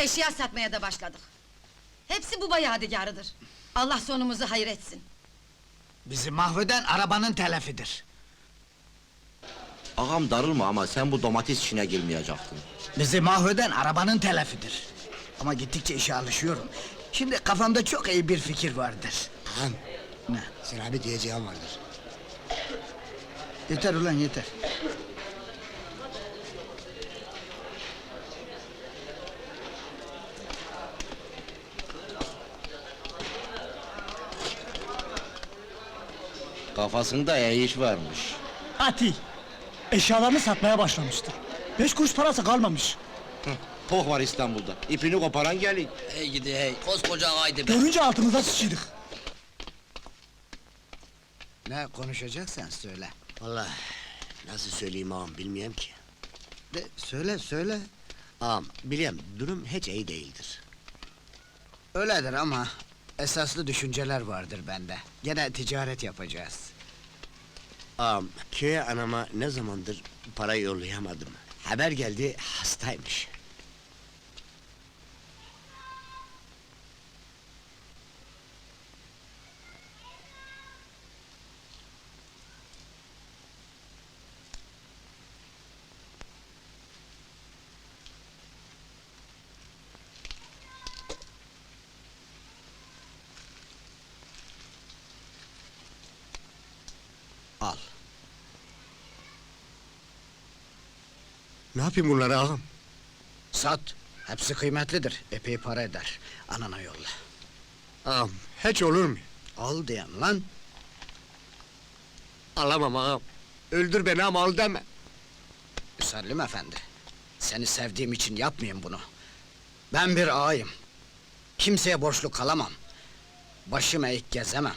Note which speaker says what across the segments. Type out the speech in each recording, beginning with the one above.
Speaker 1: eşya satmaya da başladık. Hepsi baba yadigarıdır. Allah sonumuzu hayır etsin.
Speaker 2: Bizi mahveden arabanın telafidir.
Speaker 3: Ağam darılma ama sen bu domates işine girmeyecektin.
Speaker 2: Bizi mahveden arabanın telafidir. Ama gittikçe işe alışıyorum. Şimdi kafamda çok iyi bir fikir vardır.
Speaker 4: Ağam,
Speaker 2: Ne?
Speaker 4: sana bir diyeceğim vardır.
Speaker 2: Yeter ulan yeter.
Speaker 3: Kafasında iş varmış.
Speaker 5: Atil! Eşyalarını satmaya başlamıştır. 5 kuruş parası kalmamış.
Speaker 3: Poh var İstanbul'da. İpini koparan gelin.
Speaker 6: Hey gidi hey, koskoca ağaydı be!
Speaker 5: Görünce altımıza sıçıydık.
Speaker 2: Ne konuşacaksan söyle.
Speaker 4: Vallahi nasıl söyleyeyim ağam bilmiyorum ki.
Speaker 2: De, söyle.
Speaker 4: Ağam biliyorum durum hiç iyi değildir.
Speaker 2: Öyledir ama esaslı düşünceler vardır bende. Gene ticaret yapacağız.
Speaker 4: Ağam köye anama ne zamandır para yollayamadım. Haber geldi hastaymış.
Speaker 2: Al.
Speaker 4: Ne yapayım bunları ağam?
Speaker 2: Sat. Hepsi kıymetlidir. Epey para eder. Anana yolla.
Speaker 4: Ağam hiç olur mu?
Speaker 2: Al diyen lan.
Speaker 4: Alamam ağam. Öldür beni ama al deme.
Speaker 2: Müsellim efendi. Seni sevdiğim için yapmayayım bunu. Ben bir ağayım. Kimseye borçlu kalamam. Başım eğik gezemem.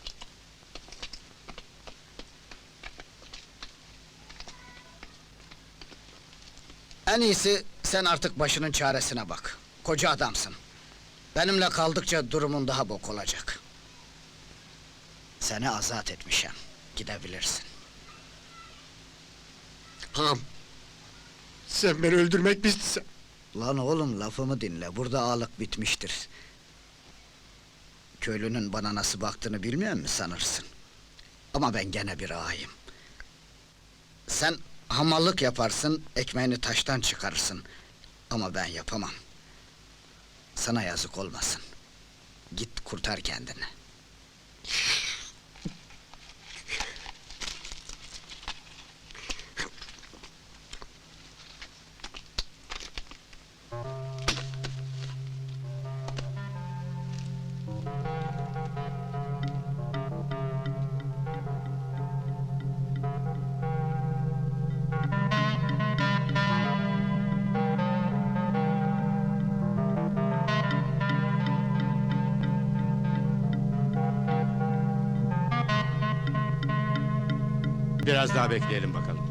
Speaker 2: En iyisi sen artık başının çaresine bak. Koca adamsın. Benimle kaldıkça durumun daha bok olacak. Seni azat etmişim. Gidebilirsin.
Speaker 4: Ağam. Sen beni öldürmek mi istiyorsun?
Speaker 2: Lan oğlum lafımı dinle. Burada ağalık bitmiştir. Köylünün bana nasıl baktığını bilmiyor musun sanırsın? Ama ben gene bir ağayım. Sen hamallık yaparsın, ekmeğini taştan çıkarırsın. Ama ben yapamam. Sana yazık olmasın. Git kurtar kendini.
Speaker 7: Biraz daha bekleyelim bakalım.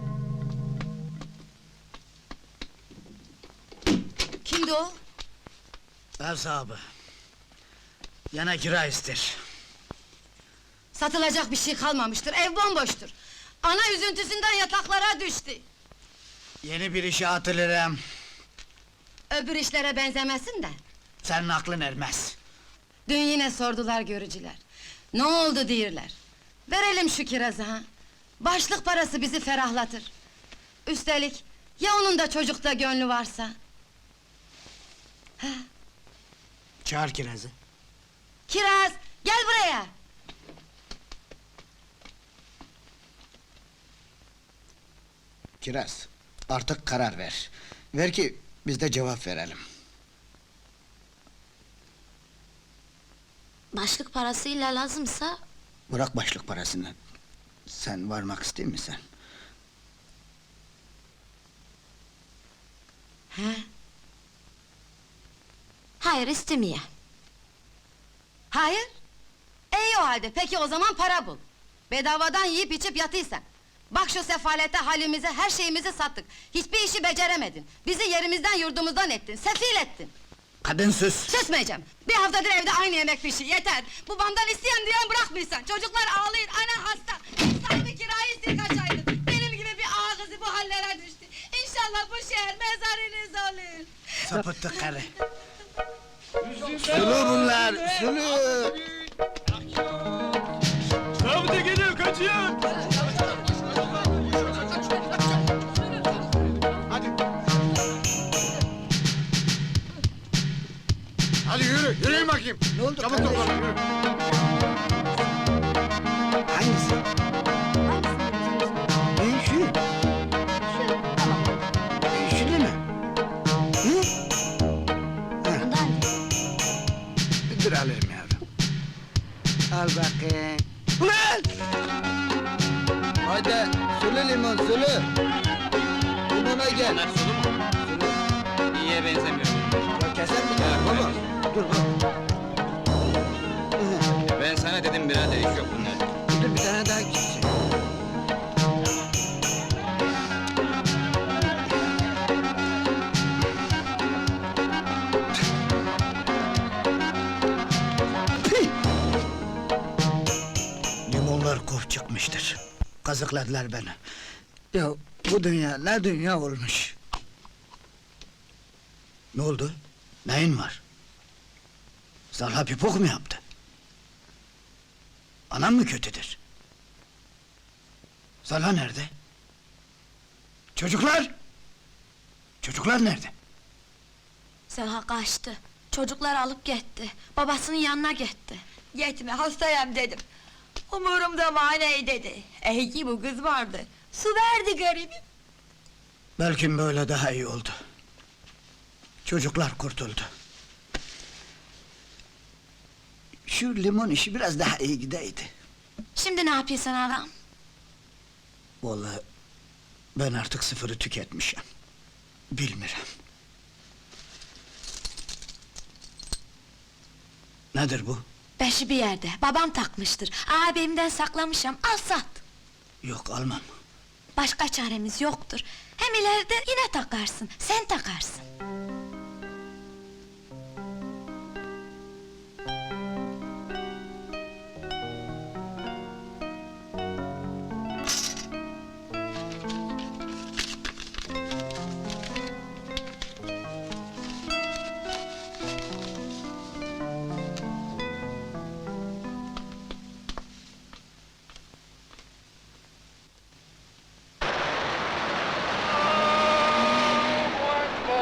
Speaker 1: Kimdi o?
Speaker 2: Ev sahibi. Yana kira ister.
Speaker 1: Satılacak bir şey kalmamıştır, ev bomboştur. Ana üzüntüsünden yataklara düştü.
Speaker 2: Yeni bir işe atılırım.
Speaker 1: Öbür işlere benzemesin de.
Speaker 2: Senin aklın ermez.
Speaker 1: Dün yine sordular görücüler. Ne oldu diyorlar. Verelim şu kirazı ha. Başlık parası bizi ferahlatır. Üstelik ya onun da çocukta gönlü varsa?
Speaker 2: Çağır kirazı.
Speaker 1: Kiraz, gel buraya!
Speaker 2: Kiraz, artık karar ver. Ver ki biz de cevap verelim.
Speaker 8: Başlık parasıyla lazımsa...
Speaker 2: Bırak başlık parasını. Sen varmak ister misin?
Speaker 1: He?
Speaker 8: Hayır, istemeye.
Speaker 1: Hayır? İyi o halde, peki o zaman para bul. Bedavadan yiyip içip yatıysan. Bak şu sefalete halimize, her şeyimizi sattık. Hiçbir işi beceremedin. Bizi yerimizden yurdumuzdan ettin, sefil ettin.
Speaker 2: Kadın sus!
Speaker 1: Susmayacağım! Bir haftadır evde aynı yemek pişiyor, yeter! Babamdan isteyen diyen bırakmıyorsan, çocuklar ağlayın, ana hasta! Sahibi kirayı istiyor kaç aydır! Benim gibi bir ağa kızı bu hallere düştü! İnşallah bu şehir mezarınız olur!
Speaker 2: Sapıttı karı! Sulu bunlar, sulu.
Speaker 5: Zabıta geliyor, kaçıyor.
Speaker 7: Hadi yürü, yürüyün bakayım.
Speaker 2: Ne oldu
Speaker 7: Çabuk
Speaker 2: kardeşim?
Speaker 7: toplanın, yürü.
Speaker 2: Hangisi? Şu. Şu değil mi? Hı?
Speaker 8: Bundan
Speaker 2: Dur alayım yavrum. Al bakayım. Ulan! Haydi, sulu limon, sulu. Limona gel.
Speaker 6: Bunlar sulu mu?
Speaker 2: Sulu.
Speaker 6: İyiye benzemiyor.
Speaker 2: Ya keser mi? Baba, dur bak.
Speaker 6: Ben sana dedim birader, iş yok bunlar.
Speaker 2: Dur bir tane daha gitsin. Limonlar kof çıkmıştır. Kazıkladılar beni. Ya bu dünya ne dünya olmuş. Ne oldu? Neyin var? Zalha pipok mu yaptı? Anam mı kötüdür? Zalha nerede? Çocuklar! Çocuklar nerede?
Speaker 8: Selha kaçtı. Çocuklar alıp gitti. Babasının yanına gitti.
Speaker 9: Gitme, hastayım dedim. Umurumda mani dedi. İyi bu kız vardı. Su verdi garibim.
Speaker 2: Belki böyle daha iyi oldu. Çocuklar kurtuldu. Şu limon işi biraz daha iyi gideydi.
Speaker 8: Şimdi ne yapıyorsun ağam?
Speaker 2: Vallahi ben artık sıfırı tüketmişim. Bilmiyorum. Nedir bu?
Speaker 8: Beşi bir yerde. Babam takmıştır. Abimden saklamışım. Al sat.
Speaker 2: Yok almam.
Speaker 8: Başka çaremiz yoktur. Hem ileride yine takarsın. Sen takarsın.